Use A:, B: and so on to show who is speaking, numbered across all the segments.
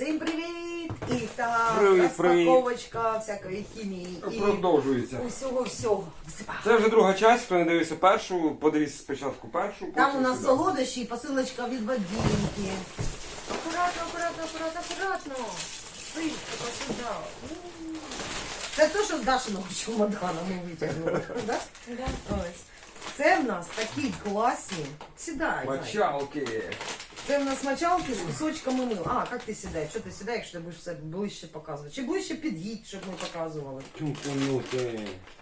A: Всім привіт! І так,
B: Привіт,
A: розпаковочка всякої хімії і
B: Продовжується.
A: усього-всього.
B: Це вже друга часть, хто не дивився першу, подивіться спочатку першу.
A: Там
B: потім
A: у нас
B: сюди.
A: солодощі і посилочка від Вадимки. Акуратно. Сипка сюди. Це те, що з Дашиного чемодана ми витягнули. Да? Ось. Це в нас такі класні. Сідай. Зай.
B: Мочалки.
A: Це в нас мочалки з кусочками мила. А, як ти сідаєш? Що ти сідаєш, якщо ти будеш все ближче показувати? Чи ближче під'їдь, щоб ми показували?
B: Тюнканути.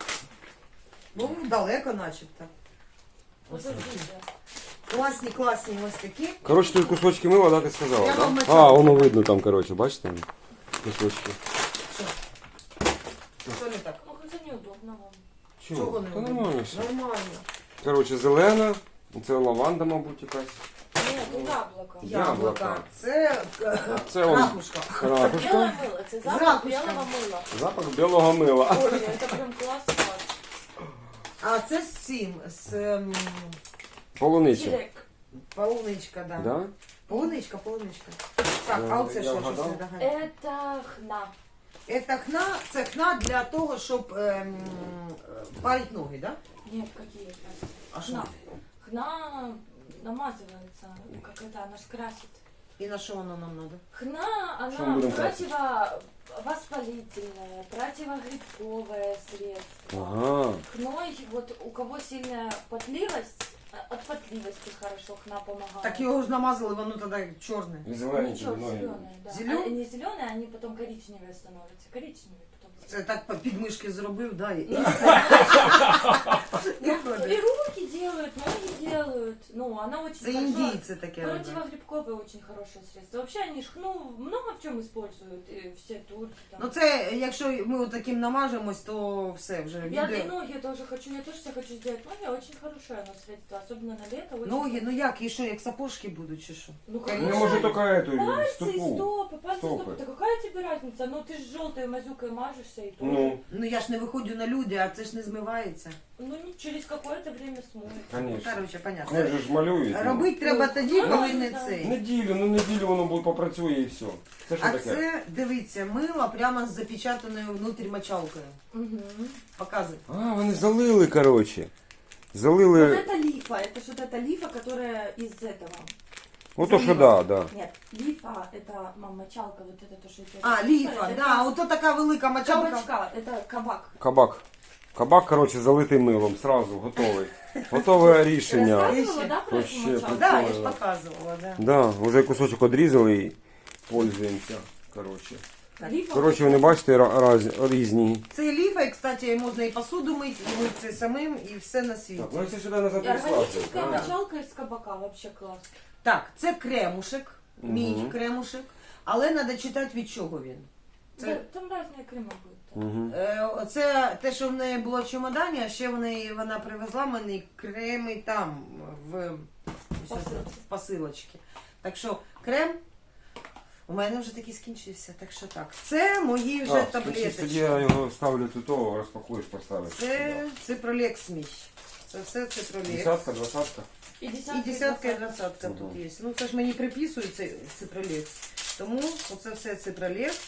A: Ну, далеко начебто. Ось такі. Класні ось такі.
B: Коротше, тут кусочки мила, да, ти сказала,
A: Я вам
B: да?
A: мочалку.
B: А, воно видно там, коротше, бачите? Кусочки.
A: Що? Що не так?
C: Ну, хотя неудобно вам.
A: Чого не
B: Та
A: видно?
B: нормально все.
A: Нормально.
B: Коротше, зелена. Це лаванда, мабуть, якась.
C: Нет, ну яблоко.
A: Яблука. Це
B: Це он.
A: ракушка.
B: Ракушка.
C: Белое мыло, это
A: З
C: запах
A: ракушками.
C: белого мыла.
B: Запах білого мила.
C: Боже, это прям классно.
A: А це з цим, з
B: Полуниця.
C: Директ.
A: полуничка, да.
B: Да?
A: Полуничка. Так, а оце
B: Я
A: що?
B: вгадав.
A: Щось не догадаю.
C: Это хна.
A: Це хна для того, щоб парити ноги, да?
C: Нет, какие это?
A: А що?
C: Хна. Хна намазывается, как это, она ж красит.
A: І на що воно нам треба?
C: Хна,
B: Что мы
C: она
B: будем красить?
C: противовоспалительная, противогрибковое средство.
B: Ага.
C: Хной, вот у кого сильная потливость, от потливости хорошо хна помогает.
A: Так його ж намазали, воно тоді чорне.
B: І зелені,
C: Ничего,
B: зелені.
C: зеленые, да.
A: Зелёные?
C: Они зеленые, они потом коричневые становятся. Коричневые потом.
A: Це так по підмишки зробив, да, і
C: Ну,
A: все.
C: ну, и руки делают, ноги делают. Ну, она очень
A: Це
C: хорошо.
A: індійці таке роблять.
C: Противогрибковое очень хорошее средство. Вообще они ж хну много в чем используют. И все турки там.
A: Ну це, якщо ми таким намажемось, то все, вже
C: Я и
A: відео.
C: ноги тоже хочу, я тоже себе хочу сделать ноги, очень хорошее оно средство, особенно на лето. Очень
A: Ноги, ну як, і що, як сапожки будуть, чи що?
C: Ну,
B: Ну,
C: конечно.
B: може, тільки эту,
C: Пальцы и
B: стопу.
C: стопы, пальцы и
B: Стопы.
C: стопы. Да какая тебе разница? Ну ты ж желтой мазюкой мажешься и тоже.
B: Ну,
A: Ну я ж не виходжу на люди, а це ж не змивається.
C: Ну, через какое-то время смоет.
B: конечно.
A: Коротше, понятно.
B: Як же ж малюють. ну.
A: Робити треба тоді,
C: Ну,
A: коли не
C: да.
A: цей.
B: Неділю воно буде попрацює і все. Це що
A: А
B: таке?
A: це, дивіться, мило прямо з запечатаною внутрі мочалкою.
C: Угу.
A: Показуй.
B: А, вони залили, коротше.
C: Вот
B: Залили.
C: это лифа, это что-то это лифа, которая из этого.
B: Ото що да.
C: Нет, лифа это мочалка, вот это то, что это.
A: А, ліфа,
C: это
A: да, ото така велика мочалка.
C: кабачка, это кабак.
B: Кабак. Кабак, коротше, залитий милом. Сразу, готовий. Готове рішення.
C: Рассказывала, да, про эту
B: Вообще
C: мочалку?
A: Да, я ж показувала, да.
B: Да, вже кусочок одрізали і пользуємося. Коротше.
C: Лифа.
B: Коротше, вони бачите, різні.
A: Це ліфа, і, кстати, можна і посуду мити, і мити це самим, і все на світі.
B: Так, ну якщо сюди назад
C: И органическая
B: прислати.
C: мочалка из кабака, вообще класс.
A: Так, це кремушек, мій
B: Мгм.
A: кремушек, але треба читати, від чого він. Це-
C: Да, там разные крема будут.
B: Угу.
A: Це те, що в неї було в чемодані, а ще вона привезла мені креми там, в посилочці. Так що крем у мене вже такий скінчився, так що так. Це мої вже
B: Тоді
A: таблеточки.
B: я його ставлю тут, розпакуєш, поставиш.
A: Це ципролекс мій. Це все ципролекс.
B: Десятка, двадцятка.
C: И
A: І
C: десятка,
A: десятка, і двадцятка
B: Ага.
A: тут є. Ну це ж мені приписують цей ципролекс. Тому оце все ципролекс.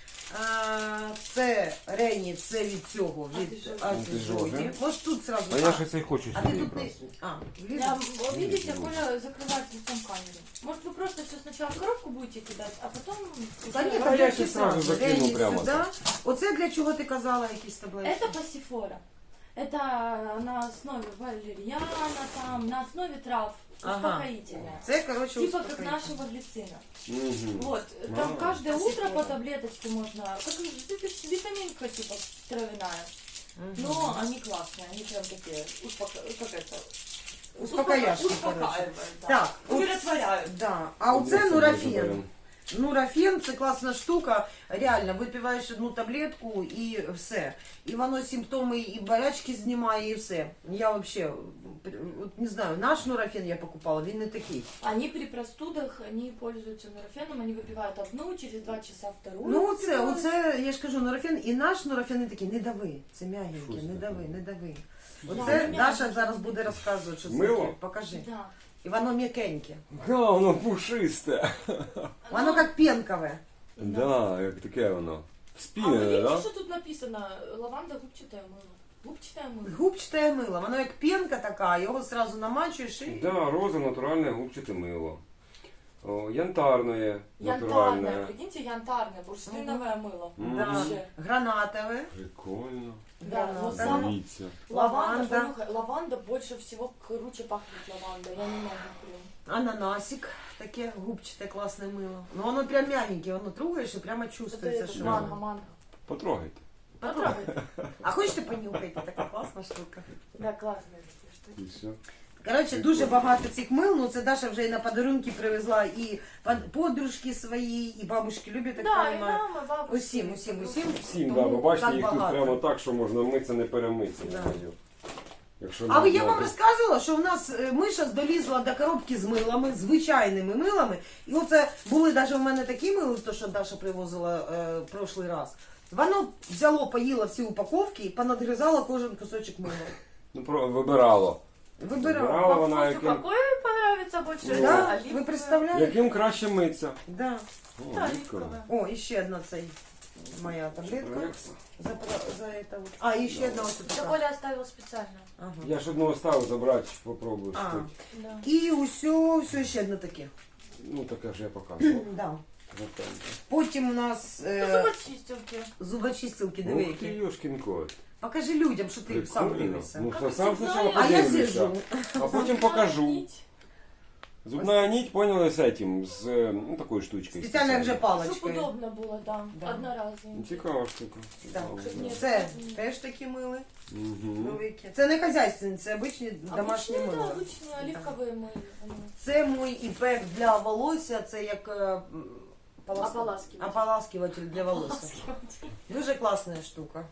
A: Це Рені, це від цього, від
C: Антижоги.
A: антижогі. Може тут зразу.
B: А я ще цей хочу
A: А ти
B: сюди
A: тут не...
B: просто.
A: А, влізла?
C: Да, вот видите, Коля закрывает лицом камеру. Может, вы просто все сначала в коробку будете кидать, а потом...
A: Та ні,
B: А я
A: таблетки
B: ще сразу
A: зразу.
B: закину
A: Рені
B: прямо
A: сюди.
B: так.
A: Оце для чого ти казала якісь таблетки?
C: Это пассифора. Это на основе валерьяна, там, на основе трав,
A: Ага.
C: успокоительное.
A: Це, коротше,
C: Типа как
A: успокоїтельне.
C: нашего глицина.
B: Мгм.
C: Вот, там
B: А.
C: каждое утро
A: Пассифора.
C: по таблеточке можно, как витаминка типа травяная.
A: Мгм.
C: Но они классные, они прям такие, как это,
A: Успокояшки,
C: успокаивают, да.
A: Так,
C: Умиротворяют.
A: Да. А оце
B: Ось
A: нурофен.
B: заберемо.
A: Нурофен це класна штука. Реально, випиваєш одну таблетку і все. І воно симптоми і болячки знімає, і все. Я взагалі, не знаю, наш нурофен я покупала, він не такий.
C: Они при простудах, они пользуются нурофеном, они выпивают одну, через 2 часа вторую.
A: Ну
C: выпивают.
A: оце, я ж кажу, нурофен, і наш нурофен не такий, не дави, це м'ягенький,
B: Що
A: не
B: це
A: дави,
B: таке?
A: не дави.
C: Да,
A: Оце
C: ну,
A: Даша
C: м'ягенький.
A: зараз буде розказувати, що це
B: Мило?
A: таке. Покажи.
C: Да.
A: І воно м'якеньке.
B: Га, воно пушисте.
A: Воно як пенкове.
B: Да, як таке воно.
C: А вы
B: Вспінене,
C: видите,
B: да?
C: что тут написано? Лаванда, губчатое мыло. Губчатое мыло.
A: Губчате мило, воно як пенка така, його одразу намачуєш і...
B: Да, роза натуральне губчате мило. О, янтарне,
C: Янтарное,
B: натуральне.
C: прикиньте, янтарное, бурштиновое мыло.
A: Да.
C: Вообще.
A: Гранатове.
B: Прикольно.
C: Да, но
A: Граната.
C: сам
B: Дивіться.
C: лаванда,
A: Лаванда.
C: понюхай, лаванда больше всего круче пахнет лаванда. Я не могу, блин.
A: Ананасик, таке губчате класне мило. Ну воно прям м'ягеньке, воно трогаєш і прямо чувствується,
C: Это
A: що
C: манго,
A: воно.
C: манго.
B: Потрогайте.
C: Потрогай.
A: А хочете понюхайте, така класна штука.
C: Да, классные такие штуки.
B: І все.
A: Коротше, дуже багато цих мил, ну це Даша вже і на подарунки привезла, і подружки свої, і бабушки люблять, так
C: Да, и
A: понимаю.
C: мама, бабушка.
A: Усім.
B: Всім,
A: Тому
B: да, ви бачите,
A: так
B: їх тут
A: багато.
B: прямо так, що можна митися, не перемитися.
A: Да.
B: Якщо
A: А
B: не
A: я вам
B: знати.
A: розказувала, що в нас Миша долізла до коробки з милами, звичайними милами. І оце були навіть у мене такі мили, то що Даша привозила прошлий раз. Воно взяло, поїло всі упаковки і понадгризало кожен кусочок мила.
B: Ну, вибирало.
A: Вибирала.
B: Вибирала вона,
C: Вкусу
B: яким,
C: какой понравится больше?
B: Да,
C: Это
A: Да,
C: оливковое.
A: ви представляєте?
B: яким краще митися.
A: Да.
B: О,
C: Да,
B: прикольно.
C: оливковое.
A: О, і ще одна цей моя таблетка.
B: Рекса.
A: За это вот. А, і ще одна ось
C: Это
A: така.
C: Коля оставил специально.
A: Ага.
B: Я ж одного ставив забрати, попробую.
A: А.
B: що.
C: Да.
A: І все ще одне таке.
B: Ну, таке вже я показував.
A: Да.
B: Готове.
A: Потім у нас
C: Зубочистилки.
A: зубочистилки, диви
B: Ух ти,
A: які.
B: Йошкін кот.
A: Покажи людям, що ти сам
B: Прикольно.
A: дивишся.
B: Ну,
C: Как
B: сам
C: всегда,
B: спочатку
A: А я
B: подивлюся.
A: сижу.
B: А потім покажу.
C: Нить.
B: Зубная нить, поняли, с этим, с ну, такой штучкой.
A: Спеціально як вже
C: Чтоб
A: паличкою.
C: удобно было, да.
A: Да.
C: Одноразовым.
B: Цікава штука.
A: Да.
B: Цікава,
C: Щоб
B: да.
C: ні-
A: Це теж такі мили.
B: Мгм.
A: Новики. Це не хазяйственні, це обичні домашні
C: Обычные, да,
A: мили.
C: обычные оливковые мыло.
A: Це мій іпек для волосся, це як
C: Ополаскиватель.
A: ополаскиватель для волосся. Дуже класна штука.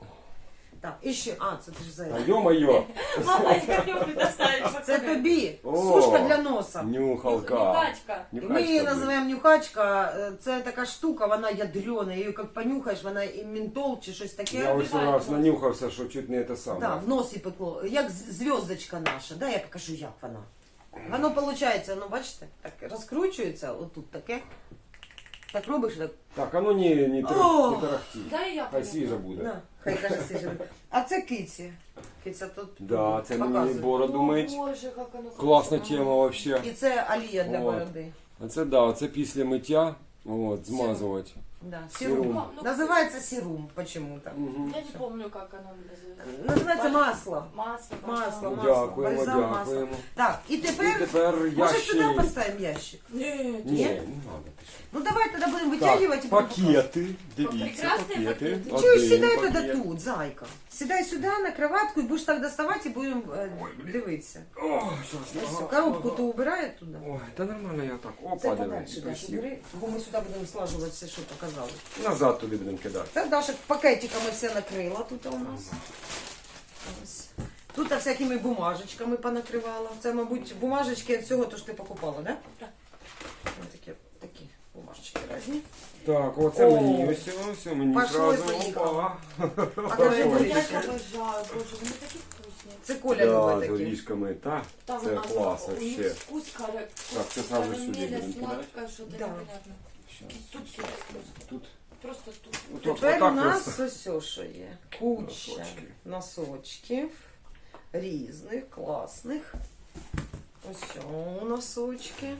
A: Так, і ще, це ти ж за
B: А ё-моё,
C: Мама, я люблю доставить.
A: Це тобі
B: О!
A: сушка для носа.
B: нюхалка.
C: Нюхачка.
A: І ми її
B: Нюхачка,
A: називаємо нюхачка. Це така штука, вона ядрена. Її як понюхаєш, вона і ментол чи щось
B: Я
A: таке.
B: ось раз нанюхався, що чуть не те саме.
A: Да, в носі пекло. Як зв'язочка наша. Да, я покажу, як вона. Воно виходить, ну бачите, так розкручується, отут таке. Так робиш, так.
B: Так, а ну не
A: О!
B: тарахті.
C: Да, і я
B: Хай
C: полюблю.
B: свіжа буде.
A: На, хай каже сижу. А це киці. Киця тут
B: Да, це мені
A: показує.
B: бороду
C: О,
B: мить.
C: Боже, как оно
B: Класна
C: хорошо.
B: тема вообще.
A: І це олія для
B: От.
A: бороди.
B: А це да, це після миття, от, змазувати.
A: Да,
B: Сірум.
A: сірум. Називається сірум почему-то.
B: Угу.
C: Я не помню, как оно называется.
A: Називається масло.
C: Масло.
A: Масло.
B: Дякуємо,
A: бальзам масло.
B: дякуємо.
A: Так, і
B: І
A: тепер,
B: тепер
A: може
B: ящик.
A: сюди поставимо ящик?
C: Нет.
B: Ні, не надо. ти що.
A: Ну давай тоді будемо
B: Так,
A: витягувати і будемо
B: пакети, дивіться,
C: Прекрасні
B: пакети.
C: пакети.
A: Чуєш,
B: Один
A: сідай
B: пакет.
A: тоді тут, зайка. Сідай сюди на кроватку і будеш так доставати і будемо дивитися.
B: О, щас,
A: Ось,
B: ага,
A: коробку
B: ага.
A: то убирає туди.
B: Ой, та нормально я так.
A: Це
B: Опа, диви,
A: подальше, Даша,
B: красиво.
A: бери, бо ми сюди будемо слажувати все, що показали.
B: Назад туди будемо кидати.
A: Це Даша пакетиками все накрила тут у нас. Ось. Тут всякими бумажечками понакривала. Це, мабуть, бумажечки від всього, то що ти покупала, да?
C: Так.
A: Ось такі бумажечки різні.
B: Так, оце
A: О.
B: мені, все мені
A: Пошло і
B: зразу.
A: поїхало.
B: Опа.
A: А кажи,
B: Ой.
A: будеш?
C: Я их обожаю, боже, они такие вкусные.
A: Це Коля
B: Да,
A: любить
B: з
A: такі.
B: горішками, так.
C: Там
B: Це
C: оно-
B: клас
C: у них
B: вообще.
C: вкус
B: Так, це саме сюди
C: карамеля,
B: будемо кидати.
C: сладкое, что-то
A: Да.
C: непонятное.
B: Щас.
C: Тут просто.
B: Тут.
C: Просто тут.
B: Отак,
A: Тепер у
B: отак
A: нас
B: ось.
A: ось що є. Куча
B: Носочки.
A: носочків різних, класних. Ось носочки.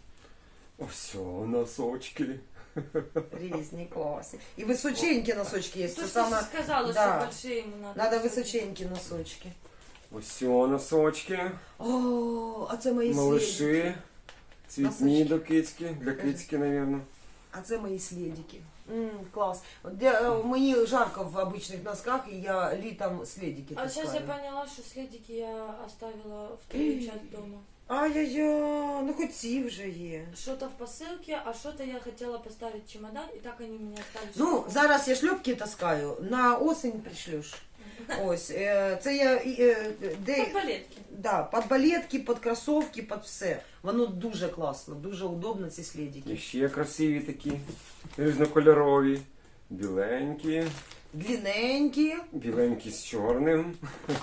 B: Ось о, носочки.
A: Різні, класні. І височенькі носочки є.
C: То,
A: Це
C: что
A: саме...
C: ты сказала,
A: да.
C: что большие ему надо.
A: Надо височенькі носочки.
B: Ось о, носочки.
A: О, а це мої слідики.
B: Малыши. Цвітні
A: Носочки.
B: до кицьки. Для кицьки, мабуть.
A: А це мої слідики. Клас. Мені жарко в обичних носках, і я літом слідики
C: А сейчас я
A: таскаю.
C: поняла, что следики я оставила в твою часть дома.
A: Ай-яй-яй, ну хоч ці вже є.
C: Что-то в посылке, а что-то я хотела поставить в чемодан, и так они меня остались.
A: Ну, зараз я шльопки таскаю, на осінь пришлюш. Ось, це я де,
C: Балетки.
A: да, під балетки, під кросовки, під все. Воно дуже класно, дуже удобно ці
B: І
A: слідики.
B: ще красиві такі. Різнокольорові. Біленькі.
A: Длинненькі,
B: Біленькі з чорним.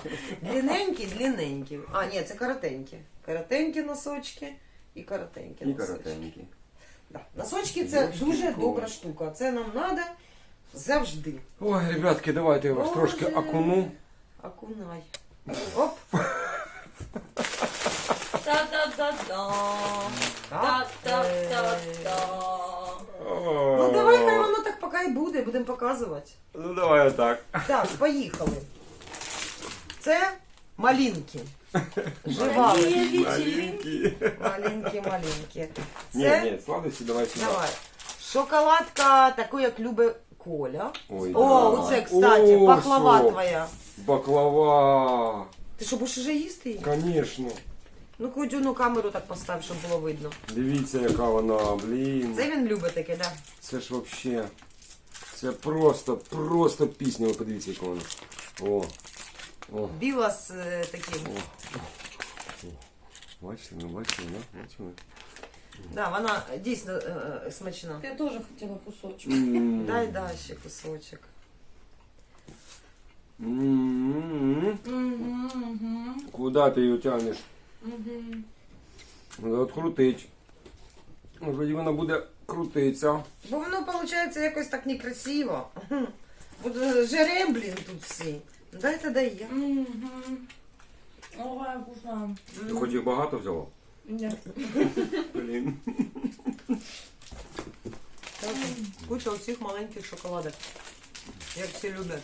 A: длинненькі. А, ні, це коротенькі. Коротенькі носочки і коротенькі
B: І
A: носочки.
B: коротенькі.
A: Да. Носочки це
B: Боже,
A: дуже
B: прикол.
A: добра штука. Це нам треба завжди.
B: Ой, ребятки, давайте я вас
A: Боже.
B: трошки окуну.
A: Окунай. Оп.
C: Та-та-та-та. Та-та-та-та.
A: Ну давай, хай воно так поки і буде, будемо показувати.
B: Ну давай отак.
A: Так, поїхали. Це малинки. Живали.
B: Маленький.
A: Маленькі.
B: Ні,
A: Це,
B: ні, сладості давай сюди.
A: давай. Шоколадка, таку, як любить Коля.
B: Ой,
A: О,
B: да.
A: оце, кстати,
B: О,
A: пахлава
B: що?
A: твоя.
B: Баклава.
A: Ти що, будеш уже їсти її?
B: Конечно.
A: Ну, хоч одну камеру так постав, щоб було видно.
B: Дивіться, яка вона, блін.
A: Це він любить таке, да?
B: Це ж вообще. Це просто пісня. Ви подивіться, яка вона. О. О.
A: Біла з таким.
B: Бачите, ну бачите, да? Бачили?
A: Да, вона дійсно смачна.
C: Я тоже хотела кусочек.
A: Дай, да, ще кусочок.
B: Куда ти її тягнеш?
C: Мгм.
B: Треба открутити. Тоді вона буде крутитися.
A: Бо воно, виходить, якось так некрасиво. Буде жерем, блін, тут всі. Дай дай я.
C: Мгм. Ой, вкусно.
B: Ти хоч їх багато взяла?
C: Нет.
B: Блін.
A: Куча оцих маленьких шоколадок. Як всі люблять.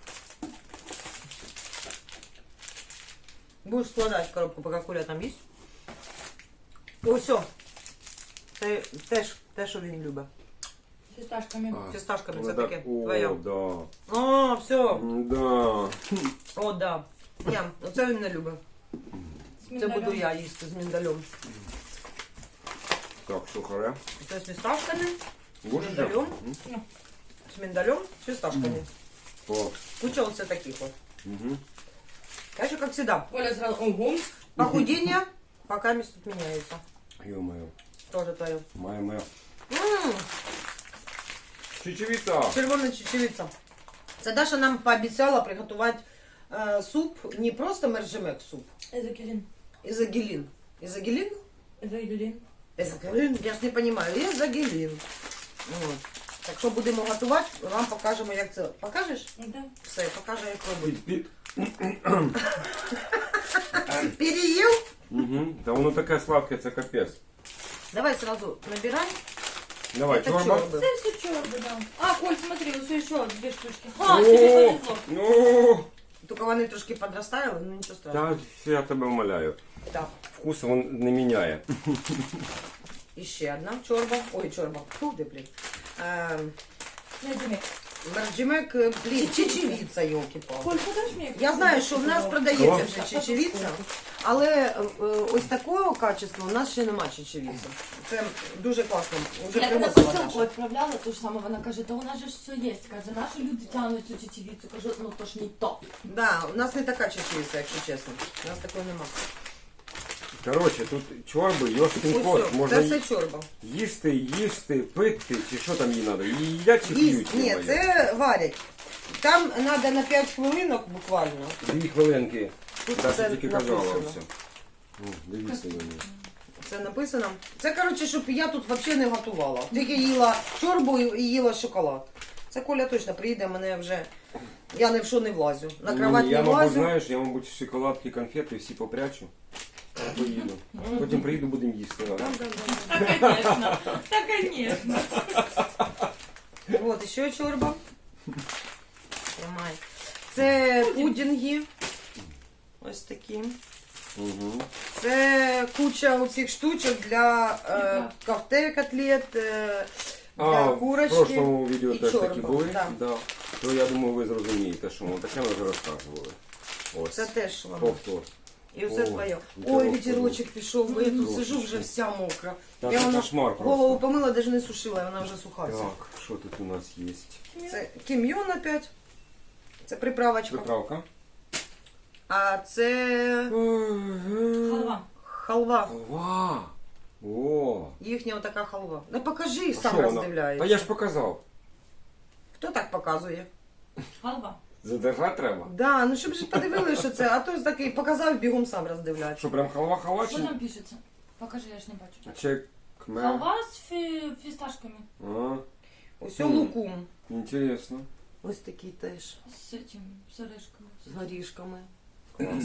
A: Будеш складати в коробку, поки Коля там їсть. О, все. Це теж те, що він любить.
C: С фисташками.
A: Фісташками це
B: Вона
A: таке.
B: так, о,
A: Твоє.
B: да.
A: О, все.
B: Да.
A: О, да. Ні, оце він не любить.
C: С
A: Це
C: миндалем.
A: буду я їсти з міндалем.
B: Так, сухаре.
A: Це з фісташками,
B: Будеш?
A: Міндалем?
B: М?
A: з міндалем, з фісташками.
B: О.
A: Куча оце таких от.
B: Угу.
A: Так що, як всегда,
C: Коля сразу, ого.
A: похудение пока место тут меняется.
B: Ё-моё.
A: Тоже твое.
B: Моя. Чечевица.
A: Червона чечевиця. Це Даша нам пообіцяла приготувати суп, не просто мержемек суп,
C: Эзокелин.
A: ізогелін. Ізогелін?
C: Эзокелин.
A: Ізогелін? Я ж не розумію. Ізогелін. От. Так що будемо готувати, вам покажемо, як це. Покажеш?
C: Да.
A: Все, покажу, як робити.
B: Під.
A: Переїв?
B: Угу. Та воно таке сладке, це капець.
A: Давай сразу набирай.
B: Давай,
A: Это
B: чорба.
A: чорби.
C: Это все черный, да. А, Коль, смотри, вот еще 2 штучки.
B: О,
C: А, тебе повезло.
B: ну,
A: Тільки вони трошки подростали, ну нічого страшного.
B: та я тебе умоляю.
A: Так.
B: Вкус він не міняє.
A: І ще одна чорба. Ой, чорба. Фу, де, блін.
C: Найди.
A: Мерджимек, блін, чечевіця, йолки-палки.
C: Коль, подашь мне?
A: Я знаю, що в нас продається
B: Що?
A: вже чечевіця, але ось такого качества у нас ще нема чечевіці. Це дуже класно. Вже
C: Я когда
A: привозила
C: посылку
A: Даша.
C: отправляла, то же самое, она каже, да у нас же все есть. Каже, наши люди тянут цю чечевицу. Кажу, ну то ж не то.
A: Да, у нас не така чечевіця, якщо чесно. У нас такої нема.
B: Коротше, тут чорби, йошкін
A: Ось
B: кот.
A: все,
B: Можна
A: це все чорба.
B: їсти, пити, чи що там їй треба? Їдять чи
A: Їсть,
B: п'ють?
A: ні,
B: йо-моє?
A: це варять. Там треба на 5 хвилинок буквально.
B: 2 хвилинки.
A: Тут
B: Даша
A: це
B: тільки казала
A: написано.
B: все. Дивіться на мене.
A: Це написано. Це, коротше, щоб я тут взагалі не готувала. Тільки їла чорбу і їла шоколад. Це Коля точно приїде, мене вже... Я ні в що не влазю. На кровать
B: я,
A: не
B: мабуть,
A: влазю.
B: знаєш, я, мабуть, шоколадки, конфети всі попрячу. Поїду. Потім приїду, будемо їсти.
A: Да,
B: ладно?
A: да, да.
C: Да, конечно. Да, конечно.
A: От, ще чорба. Тримай. Це пудінги. Ось такі.
B: Угу.
A: Це куча оцих штучок для кофте, котлет, для
B: В
A: курочки.
B: прошлому відео
A: і
B: теж
A: чорба,
B: такі були.
A: да.
B: Да. То я думаю, ви зрозумієте, що ми таке ми вже розказували. Ось.
A: Це теж воно.
B: Повтор.
A: І все
B: О,
A: твоє.
B: вітерок
A: Ой, вітерочок пішов, бо я тут
B: Трошечки.
A: сижу вже вся мокра.
B: Та
A: Я
B: це
A: вона
B: кошмар
A: голову
B: просто.
A: помила, навіть не сушила, вона вже суха. вся.
B: Так, що тут у нас є?
A: Це кім'йон опять. Це приправочка.
B: Приправка.
A: А це
C: Халва.
A: халва.
B: Халва. О.
A: Їхня отака халва. Ну покажи,
B: А
A: сам
B: що вона?
A: роздивляється.
B: Та я ж показав.
A: Хто так показує?
C: Халва.
B: Задержати треба.
A: Да, ну щоб же подивилися, що це, а то такий показав, бігом сам роздивляється.
B: Що, прям халва
C: Что
B: халачі?
C: там пишется? Покажи, я ж не бачу.
B: Чи Кме.
C: Халва с фисташками.
B: А,
A: Ось
B: Мгм.
A: лукум.
B: интересно.
A: Ось такий теж.
C: С этим, с орешками.
A: З горішками. Клас.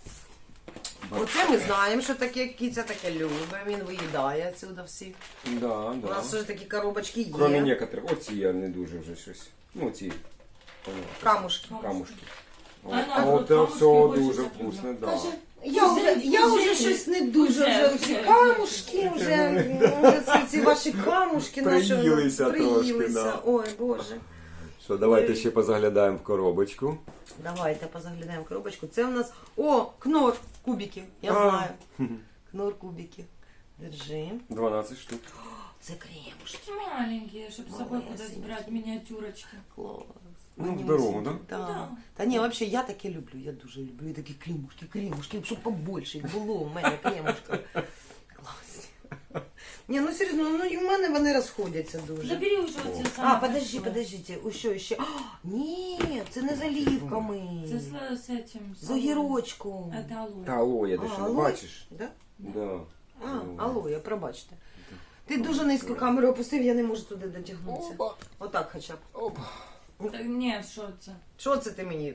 A: Оце ми знаємо, що таке киця таке любить. Він виїдає отсюда всі.
B: Да,
A: У
B: да.
A: нас вже такі коробочки є.
B: Кроме некоторых. Оці я не дуже вже щось. Ну, ці. понятно.
A: Камушки.
B: Камушки.
C: А
B: От,
C: наоборот,
B: це
C: камушки
B: все
C: більше
B: дуже
C: так люблю.
B: вкусно, да.
A: Каже, я вже щось не дуже, вже ці
C: Вже.
A: камушки, вже ці ваші камушки наші воно
B: Приїлися трошки,
A: приїлися.
B: да.
A: Ой, Боже.
B: Що, давайте ще позаглядаємо в коробочку.
A: Давайте позаглядаємо в коробочку. Це в нас, кнор кубики, я
B: А.
A: знаю. Кнор кубики. Держи.
B: 12 штук.
A: Це кремушки.
C: Маленькие, чтобы с собой куда-то
A: Малесенькие.
C: брать миниатюрочки.
A: Клас.
B: Ну,
A: Вони
B: в дорогу,
A: ось
B: да?
A: такі, Да.
C: Да.
A: Та ні, взагалі, я таке люблю, я дуже люблю. І такі кремушки, щоб побольше їх було у мене кремушки. Класні. Ні, ну серйозно, ну і в мене вони розходяться дуже.
C: Забери уже вот те самые.
A: Подождите, ще. Ні, це не з олівками.
C: Це с этим.
A: З огірочком.
C: Это алоэ.
B: Та алоє, ти що не
A: алоє?
B: бачиш?
A: Да?
B: Да.
A: Алоє, пробачте. Ти дуже низько камеру опустив, я не можу туди дотягнутися.
B: Опа.
A: Отак хоча б.
B: Опа.
C: Так, ні, що це?
A: Що це ти мені?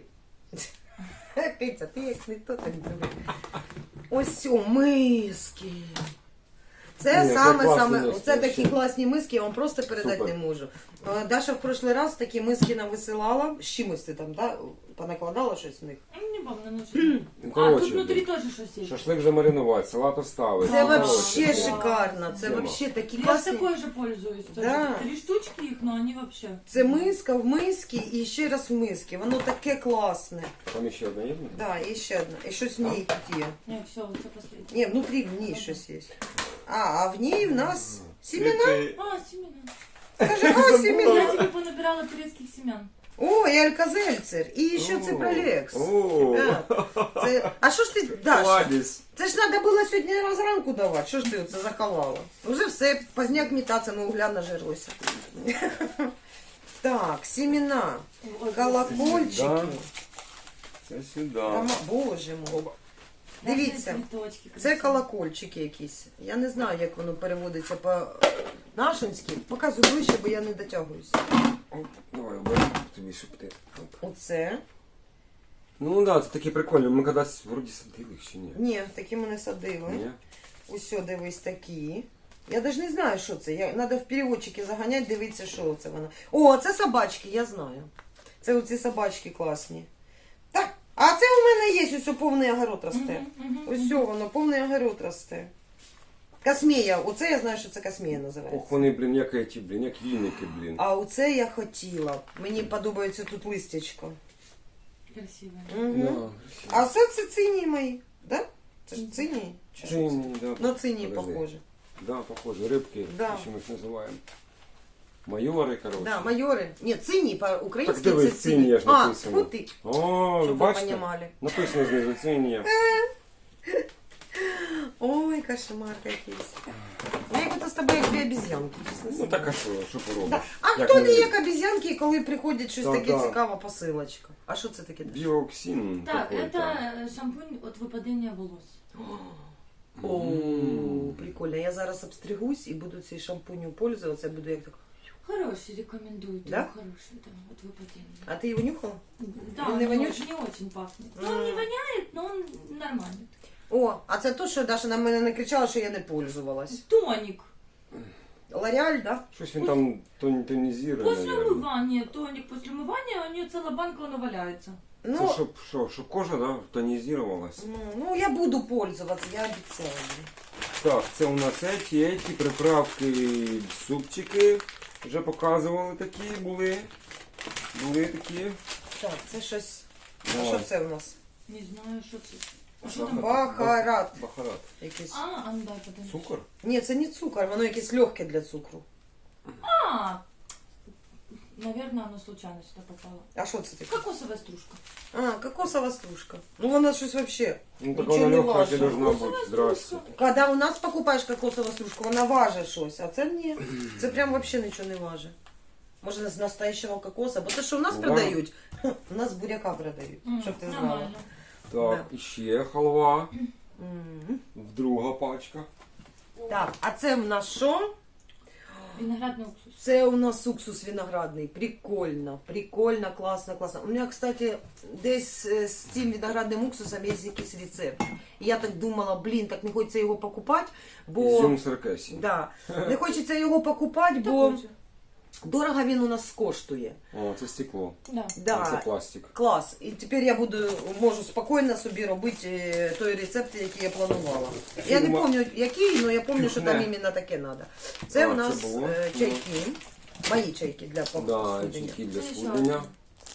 A: Киця, ти як ніхто так диви. Ось о, миски. Це
B: Ні, це
A: саме,
B: класні миски,
A: оце такі
B: вообще.
A: класні миски, я вам просто передати
B: Супер.
A: не можу. Даша в прошлий раз такі миски нам висилала. З чимось ти там, да? Понакладала щось в них?
C: Не помню, ну
B: Ну,
C: А,
B: коротше,
C: тут внутри тоже щось є.
B: шашлик замаринувати, салат оставити.
A: Це
C: Ага.
A: вообще
C: Короче,
A: шикарно, це
B: Тема.
A: вообще такі
C: Я с
A: класні.
C: такой же пользуюсь. Тоже.
A: Да.
C: 3 штучки их, но они вообще.
A: Це миска в мисці і ще раз в мисці. Воно таке класне.
B: Там ще одна є?
A: Да, і ще одна. І щось в ній тут є.
C: Нет, все, вот это последнее.
A: Ні, внутрі в ній щось є. А в ній в нас семена.
C: А, семена.
A: Каже, а, семена.
C: Я тебе понабирала турецких семян.
A: О, і Алька-Зельцер, і ще Ципролекс.
B: О,
A: Це... А що ж ти, Даш?
B: кладезь.
A: Це ж треба було сьогодні зранку давати. Що ж ти оце заховала? Уже все, поздняк метаться, ми угля нажерлося. Так, семена, колокольчики.
B: Да. Це сюди.
A: Боже мой. Дивіться,
C: Цветочки
A: це
C: красивые.
A: колокольчики якісь. Я не знаю, як воно переводиться по-нашинськи. Показую ближче, бо я не дотягуюся.
B: Оп, давай, оберу тобі, щоб ти. Оп.
A: Оце.
B: Ну да, це такі прикольні. Ми кудись вроді садили їх чи ні?
A: Ні, такі ми не садили.
B: Ні?
A: Усьо, дивись, такі. Я навіть не знаю, що це. Треба в переводчики заганяти, дивитися, що це воно. О, це собачки, я знаю. Це оці собачки класні. Так, а це у мене є, ось повний огород росте. Ось воно, повний огород росте. Космія, оце я знаю, що це космія називається.
B: Ох, вони, блін, як ті, блін, як віники, блін.
A: А оце я хотіла. Мені подобається тут листячко.
C: Красивые.
A: Угу.
B: Да,
A: А це цинії мої, да? Це ж цинії? Чи що це?
B: Цині, да.
A: На цинії
B: Подожди.
A: похоже.
B: Да, похоже, рибки,
A: Да.
B: що ми їх називаємо. Майори, коротше.
A: Да, майори. Ні, цинні по-українськи
B: Так дивись,
A: це
B: цинні, я ж
A: А,
B: написано.
A: от ти,
B: О, ви
A: щоб ви
B: бачите?
A: понімали.
B: Написано знизу цині.
A: Ой, кошмар якийсь. Я як ото з тобою як дві обіз'янки, чесно
B: Ну
A: слово.
B: так а що поробиш?
A: Да. А
B: Як
A: хто
B: ми-
A: не як обіз'янки, коли приходить щось
B: Да,
A: таке
B: да.
A: цікава посилочка? А що це таке?
B: Біоксин
C: Так,
B: такой
C: это
B: там.
C: шампунь от выпадения волос.
A: О,
B: М.
A: прикольно. Я зараз обстригусь і буду цей шампунем пользуватися, буду як так.
C: Хороший, рекомендую.
A: Да?
C: Хороший, да, от выпадения.
A: А ти його нюхала?
C: Да,
A: Он
C: он
A: не
C: не
A: вонючий?
C: очень, не очень пахнет. Ну, он не воняет, но он нормальный.
A: О, а це то, що Даша на мене не кричала, що я не пользувалась.
C: Тоник.
A: Лореаль, да?
B: Щось він там тонізує,
C: После
B: наверное.
C: умывания, тоник после умывания, у нее целая банка, оно валяется.
B: Це
A: Ну,
B: щоб кожа, да, тонізувалась.
A: ну, я буду пользуватися, я обіцяю.
B: Так, це у нас эти приправки, супчики. Вже показували такі, були. Були такі.
A: Так, це щось. А
B: Давай.
A: що це у нас?
C: Не знаю, что это. А что
B: Сахар.
C: там?
A: Бахарат.
B: Бахарат.
A: Якийсь.
C: А ну дай подожди.
B: Цукор?
A: Ні, це не цукор, воно якесь легке для цукру.
C: А, наверное, оно случайно сюда попало.
A: А що це таке?
C: Кокосовая стружка.
A: А, кокосова стружка. Ну вона щось вообще.
B: Ну так
A: Нічого
B: вона
A: не
B: легка
A: важно.
B: должна бути.
C: Кокосова
B: Здрасте.
C: стружка.
A: Коли у нас покупаєш кокосову стружку, вона важить щось, а це ні. Це прям вообще нічого не важить. Може з настоящего кокоса, бо те, що в нас
B: Да.
A: продають, у нас буряка продають, щоб ти знала.
C: Нормально.
B: Так, і ще халва.
A: М.
B: Друга пачка.
A: Так, а це в нас що?
C: Виноградный уксус.
A: Це у нас уксус виноградний. Прикольно, прикольно, класно, класно. У мене, кстати, десь з цим виноградним уксусом є якийсь рецепт. І я так думала, блін, так не хочеться його покупати, бо...
B: Ізюм Саркасі.
A: Да. Не хочеться його покупати, бо
C: Такой же.
A: дорого він у нас коштує.
B: О, це стекло.
C: Да.
B: Це
A: Да.
B: пластик.
A: Клас. І тепер я можу спокійно собі робити той рецепт, який я планувала. Я не пам'ятаю, який, але я пам'ятаю, що там
B: Не.
A: іменно таке треба. Це
B: А,
A: у
B: це
A: нас
B: було?
A: чайки. Мої чайки для
B: Да,
A: схудення.
B: чайки для
C: Це ще
B: схудення.
C: один.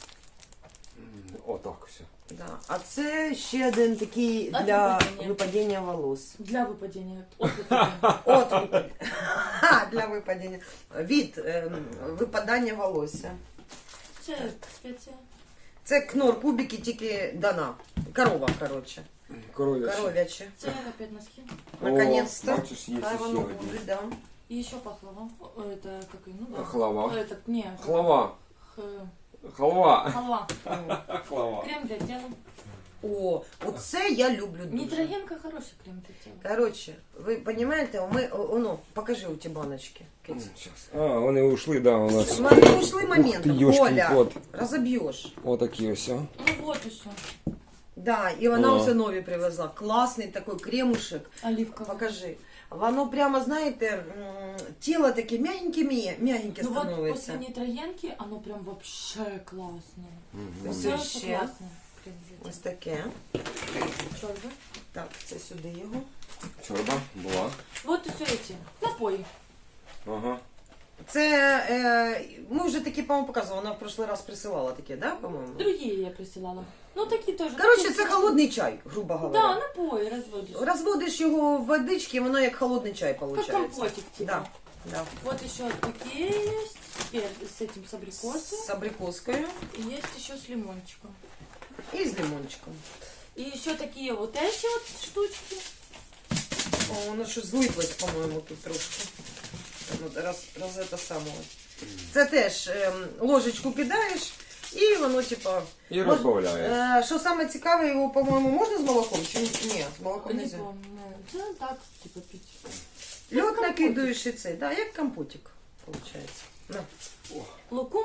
B: Отак все.
A: Да. А це ще один такий
C: От
A: для
C: випадіння.
A: випадіння волос.
C: Для выпадения. От выпадения.
A: От випадіння. Ха, для випадіння. Від випадання волосся.
C: Це спеція.
A: Це кнор кубики, тільки дана. Корова, коротше.
B: Коров'яче.
A: Коров'яче.
C: Це опять носки.
A: Наконец-то.
B: О, бачиш, є
A: Хай
B: ще
A: воно
B: один.
A: буде, да.
C: И еще пахлава. Это как и, ну да.
B: Хлава.
C: Этот, не.
B: Хлава.
C: Х-
B: Халва.
C: Халва.
B: Халва.
C: Крем для тела.
A: О, оце я люблю дуже.
C: Нитроgenка хороший крем для тела.
A: Коротше, ви розумієте, ми, ну, покажи у ті баночки. Киць.
B: Щас. А, вони ушли, да, у нас.
A: Смотри, ушли моменти,
B: Ух ти, ёшкин
A: Коля,
B: кот.
A: розоб'єш.
B: Отакі ось.
C: Ну вот и все.
A: Да, і вона
B: О.
A: все нові привезла. Класний такий кремушек.
C: Оливковый.
A: Покажи. Воно прямо, знаєте, тіло таке мягеньке
C: Ну вот
A: становиться.
C: после нитрогенки оно прям вообще классное.
B: Мгм.
A: Ось
C: Все
A: ще.
C: классно. Крем для
A: Ось таке.
C: тела. Чёрт.
A: Так, це сюди його.
B: Чорба була.
C: Вот и все эти напои.
B: Ага.
A: Це, ми вже такі, по-моєму, показували, вона в прошлый раз присилала такі, да, по-моєму?
C: Другие я присылала. Ну такие тоже.
A: Коротше,
C: Такие
A: це
C: тоже.
A: холодний чай, грубо
C: Да,
A: говоря.
C: напои разводишь.
A: Розводиш його в водички, воно як холодний чай
C: Как
A: виходить.
C: компотик типа.
A: Да, да.
C: Вот еще такие есть. Теперь с этим с абрикосом.
A: З абрикоскою
C: И есть еще с лимончиком.
A: і з лимончиком.
C: И еще такие вот эти вот штучки.
A: О, воно щось злиплось, по-моєму, тут трошки. Ну, раз це саме. Це теж ложечку кидаєш, і воно, типа...
B: І розбавляєш.
A: Що саме цікаве, його, по-моєму, можна з молоком? Чи ні? З молоком не
C: Не
A: можна.
C: помню. Да, так, типа пить.
A: Льод
C: компотик.
A: накидуєш і цей, да, як компотик, виходить. На.
C: Лукум.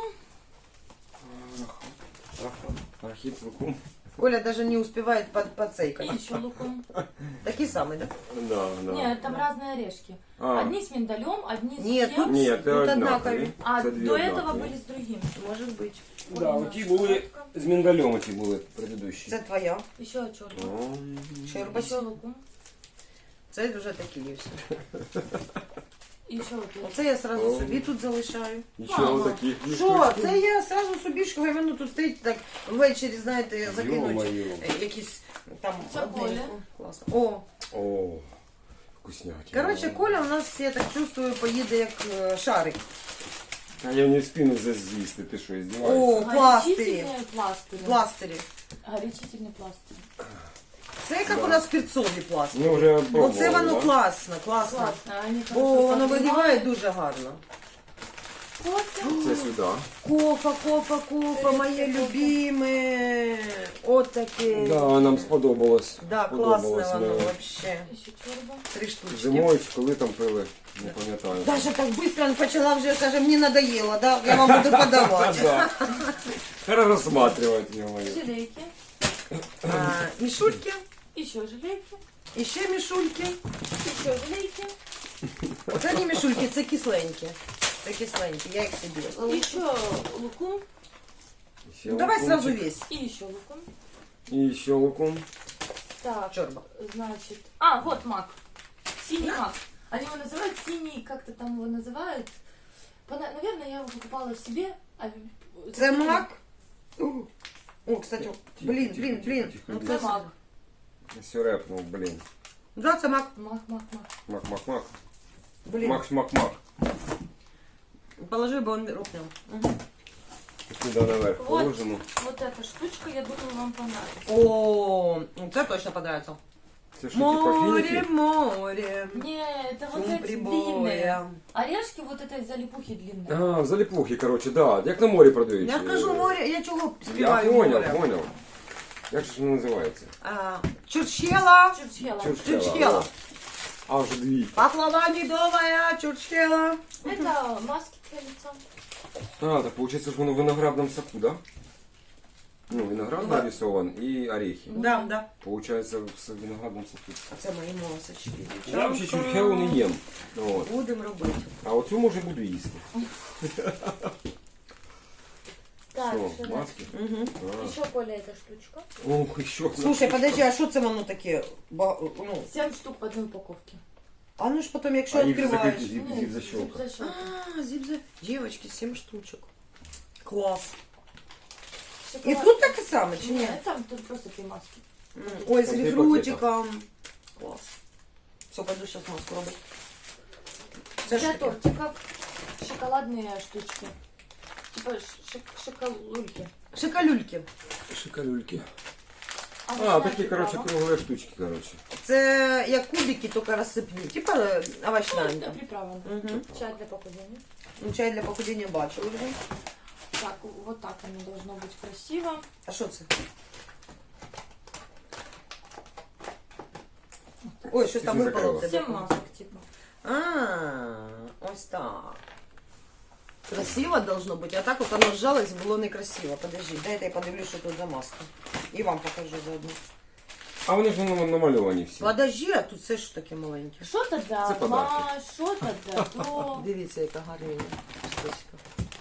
B: Архіп лукум.
A: Коля даже не успевает
C: И
A: поцейкать.
C: еще лукум.
A: Такие самые, да?
B: Да, да.
C: Нет, там разные орешки.
B: А,
C: Одни с миндалем, одни с
A: Нет,
C: кем.
A: тут-
B: ні, це
A: Тут
B: однакові.
A: однакові.
C: А
B: Це дві
C: до этого
B: однакові.
C: были с другим.
A: Может быть.
B: Да, оті були з миндалем, оті були предыдущі.
A: Це твоя.
C: Еще черный.
B: О,
A: Щерба.
C: Еще лукум.
A: Це вже такі є всі.
C: И еще вот эти.
A: Оце я сразу
B: О.
A: собі тут залишаю.
B: і ще
C: Мама.
B: отакі.
A: Що? Це я сразу собі, що воно тут стоїть так ввечері, знаєте, закинуть
B: Ё-моё.
A: якісь там
C: Це
A: одненьку.
C: Коля.
A: Класно. О,
B: О, вкуснятина.
A: коротше, Коля у нас, я так чувствую, поїде як шарик.
B: А я не встигну з'їсти, ти що, здіваєшся?
A: О, пластирі.
C: Горячительные пластыри.
A: Пластирі.
C: Горячительный пластырь.
A: Це як
B: Да.
A: у нас перцові пластирі.
B: Ми вже пробували,
A: Оце воно
B: да?
A: класно, класно.
C: Классно. Они
A: Бо
C: хорошо
A: воно вигріває
C: согревают.
A: дуже гарно.
C: Кофе.
B: Це сюди.
A: Кофа, моє любиме. От таке.
B: Да, нам сподобалось.
A: Да,
B: Сподобалось
A: класне воно
B: мені.
A: вообще.
C: Еще чорба.
A: 3 штучки.
B: Зимою чи коли там пили, не пам'ятаю.
A: Даже так быстро он почала вже, каже, мені надоело, да? Я вам буду подавати.
B: Да. Рассматривать его.
C: Желейки.
A: Мішульки,
C: Еще желейки.
A: і ще мішульки.
C: Еще желейки.
A: Оце не мішульки, це кисленькі. Це кисленькі, я їх собі.
C: Еще лукум.
A: Ну, давай сразу весь.
C: И еще лукум.
B: И еще лукум.
C: Так,
A: Чорба.
C: значит... А, вот мак. Синий мак. Они его называют синий, как-то там его называют. Наверное, я его покупала себе.
A: Це мак. О, кстати,
B: Тихо,
A: блін.
B: тихо.
A: Ну,
C: Це мак.
B: Все репнул, блин.
A: Да, це мак.
C: Мак.
B: Мак.
A: Блін.
B: Мак.
A: Положи, бо він рухнув. Угу.
B: Сюда наверх
C: Вот.
B: положено.
C: Вот эта штучка, я думаю, вам понравится.
A: О, це точно понравится.
B: Це що, типа
A: Море,
B: фіники?
A: море.
C: Не, это вот
A: Шум
C: эти длинные.
A: прибоя.
C: Орешки вот этой залипухи длинные.
B: А, заліплухи, короче, да. Як на морі продають.
A: Я кажу море, я чого
B: Я
A: співаю море?
B: понял. Як же ж воно називається?
A: Чурчхела.
C: Чурчхела.
B: Чурчхела.
A: Чурчхела.
B: А, вже дві.
A: Пахлава медовая, чурчхела.
C: Это маски для лица.
B: А, так получается, что он в виноградном соку, да? Ну, виноград
A: Да.
B: нарисован и орехи.
A: Да, да.
B: Получается, в виноградном соку.
A: А це мої масочки.
B: Я взагалі чурчхелу не їм. От.
A: Будемо робити.
B: А оцю, може, буду їсти.
C: Так,
B: Що,
C: что
B: маски?
A: Угу.
B: А.
C: Еще Коля эта штучка.
B: Ох, і що?
A: Слушай, подожди, а що це воно таке? Ну,
C: 7 штук в одной упаковке.
A: а ну ж потім, якщо
B: А їх
A: відкриваєш.
B: закрити зіп-защёлка.
C: зip-защёлка.
A: А, зіп-за... Девочки, 7 штучок. Клас. І
C: Шоколад.
A: тут таке саме, чи ні?
C: Нет, там тут просто 3 маски.
A: Ой, з
B: Там
A: грейпфрутиком. Клас. Все, пойду сейчас маску робити. Це ж
C: Для
A: таке.
C: тортиков шоколадные штучки. Типа шоколульки.
A: Шикалюльки.
B: Шикалюльки.
C: А,
B: А, такі, короче, круглі штучки, короче.
A: Це як кубики, тільки розсипні. Типа овощнянка.
C: приправа.
A: Угу.
C: Чай для похудения.
A: Ну, чай для похудіння бачили вже.
C: Так, вот так оно должно быть красиво.
A: А що це? Ой, щось там
B: Ти
A: випало в
B: закрила.
A: тебе.
C: 7 масок, типа.
A: А, ось так. Красиво должно бути, а так от воно сжалось, було некрасиво. Подожди, дайте я подивлюсь, що тут за маска. І вам покажу заодно.
B: А вони ж намальовані всі.
A: Подожди, а тут все ж таке маленьке.
C: Что-то да,
B: Это подарки.
C: что-то да, то.
A: Дивіться, яка гарна штучка.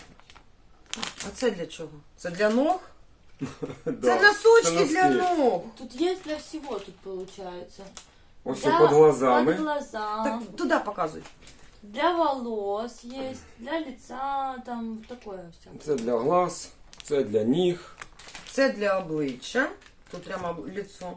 A: А це для чого? Це для ног?
B: Да,
A: Це носочки
B: це
A: для
B: носки.
A: ног.
C: Тут есть для всего, тут получается.
B: Ось
C: Для-
B: під глазами.
C: Под глаза.
A: Так, туди показуй.
C: Для волос есть, для лица, там такое все.
B: Це для глаз, це для ніг.
A: Це для обличчя. Тут прямо лицо.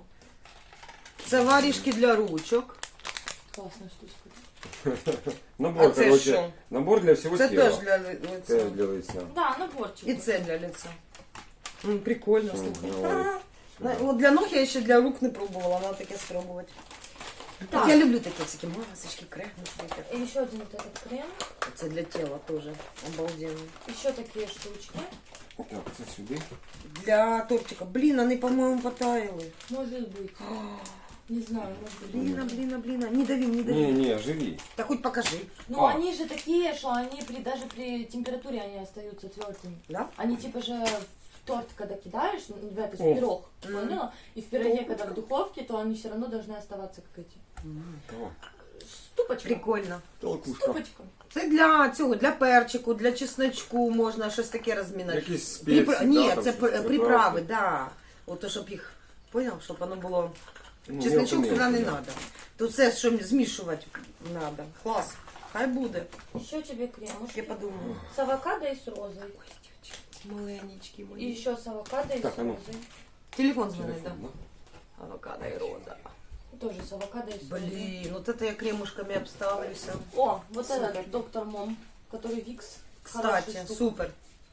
A: Це варішки для ручок.
C: Классная штучка.
B: Набор,
A: А це
B: короче,
A: що?
B: набор для всього
A: Це
B: тіла.
A: теж для
B: Це
A: лиця.
B: для лиця.
C: Да, наборчик.
A: І це для лиця. Прикольно, слухай.
B: Давай.
A: От для ног я ще для рук не пробувала, треба таке спробувати.
C: Так.
A: От я люблю такі всякі масочки, кремушки.
C: И еще один вот этот крем.
A: Це для тіла теж обалденно.
C: Еще такие штучки.
B: Так, це сюди.
A: Для тортика. Блін, вони, по-моєму, потаяли.
C: Может быть. Не знаю, может быть.
A: Блін. Не дави, не дави.
B: Ні, живі.
A: Да хоть покажи.
C: Ну,
B: А.
C: они же такие, что они даже при температуре они остаются твердыми.
A: Да?
C: Они типа же в торт, когда кидаешь, в этот
B: О.
C: в пирог,
A: Мгм.
C: поняла? И в пироге, когда в духовке, то они все равно должны оставаться как эти.
B: О,
C: Ступочка.
A: Прикольно.
B: толкушка.
C: Ступочка.
A: Це для цього, для перчику, для чесночку можна щось таке розмінати.
B: Якісь спеції,
A: Ні,
B: да, там
A: це
B: щось,
A: приправи, да. От то, щоб їх, поняв, щоб воно було.
B: Ну,
A: Чесночок
B: мелко-мелко,
A: сюди не
B: да.
A: треба. Тут все, що змішувати треба. Клас. Хай буде.
C: Еще тебе кремушки.
A: Я подумаю.
C: С авокадо и с розой.
A: Маленечкі
C: И
A: мої.
C: еще с авокадо и
B: Так,
C: с
B: а ну.
C: розой.
A: Телефон дзвонить,
B: Телефон,
A: да.
B: да?
A: Авокадо і роза.
C: Тоже с авокадо и с розой.
A: Блін, от це я кремушками обставлюся.
C: О, вот
A: Супер.
C: этот доктор Мом, который Викс.
A: Кстати,
C: Хорошая штука.
A: супер.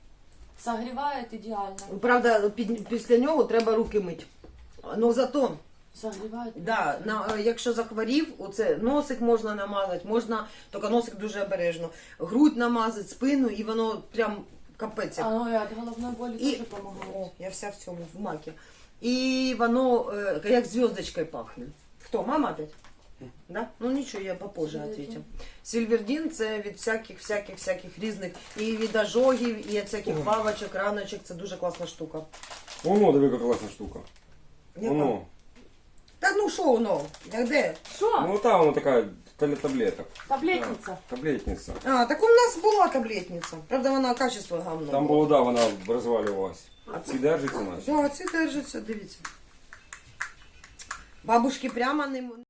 C: Согревает идеально.
A: Правда, після нього треба руки мити. Ну зато,
C: Согревает.
A: да, якщо захворів, оце носик можна намазати, можна, тільки носик дуже обережно. Грудь намазати, спину, і воно прям капець. як.
C: Оно и от головной боли
A: І,
C: тоже помогает.
A: о, я вся в цьому, в макі. І воно як зв'язочкою пахне. Хто, мама опять? Да? Ну нічого, я попозже
C: Сильвердін.
A: ответю. Сильвердін це від всяких різних, і від ожогів, і від всяких павочок, раночок, це дуже класна штука.
B: Воно, диви, яка класна штука.
A: Яка?
B: Воно.
A: Та ну що воно? Як де?
C: Что?
B: Ну, та воно така для таблеток.
C: Таблетница.
B: Да, таблетниця.
A: А, так у нас була таблетниця. Правда, вона качество гамно.
B: Там було, да, вона розвалювалась. А ці держаться наші.
A: Да, ці держаться, дивіться. Бабушки прямо не...